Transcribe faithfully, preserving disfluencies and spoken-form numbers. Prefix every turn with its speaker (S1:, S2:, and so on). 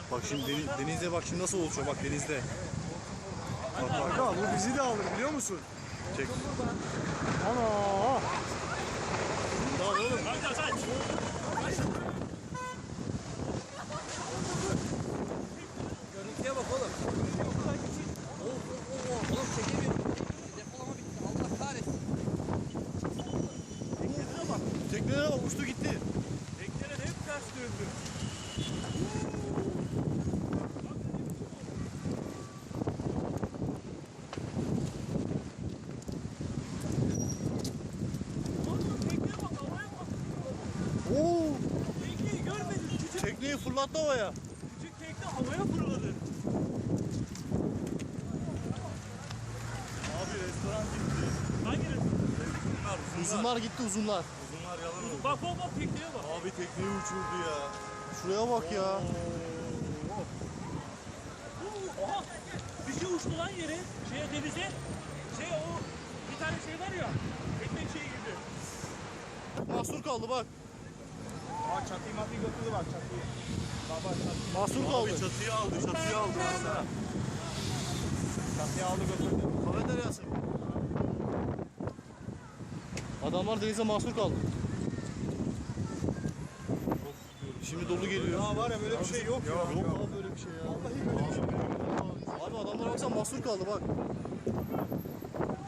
S1: Bak şimdi deniz, denizde bak şimdi nasıl oluşuyor bak denizde.
S2: Bak bak bu bizi de alır biliyor musun?
S1: Çek.
S2: Ana!
S1: Daha oğlum.
S3: Görüntüye bak oğlum. Oh, oh, oh. Oğlum çekemiyorum. Depolama bitti. Allah kahretsin.
S1: Teknelere bak. Teknelere bak uçtu gitti.
S2: Tekneler hep ters döndü.
S1: Oo!
S2: Tekneyi görmedin. Küçük,
S1: Tekneyi fırlattı havaya.
S2: küçük tekne havaya fırladı.
S1: Abi restoran gitti.
S2: Hangi resim?
S1: Uzunlar, uzunlar gitti uzunlar.
S2: Uzunlar yalan oldu. Bak bak bak tekneye bak.
S1: Abi tekneyi uçurdu ya. Şuraya bak ya.
S2: Oha! Bir şey uçtu lan yere. Şeye denize. Şey o bir tane şey var ya. Tekne şeye girdi.
S1: Mahsur kaldı bak.
S2: Aa çatıyı matıyı götürdü bak çatıyı. Baba çatıyı.
S1: Mahsur kaldı.
S2: Abi
S1: çatıyı aldı, çatıyı aldı.
S2: Çatıyı aldı götürdü.
S1: Kafeteryası. Adamlar denize mahsur kaldı. Şimdi dolu geliyor.
S2: Ya var ya böyle bir şey yok ya.
S1: Yok abi böyle bir şey ya. Vallahi böyle bir şey. Abi adamlar baksana mahsur kaldı bak.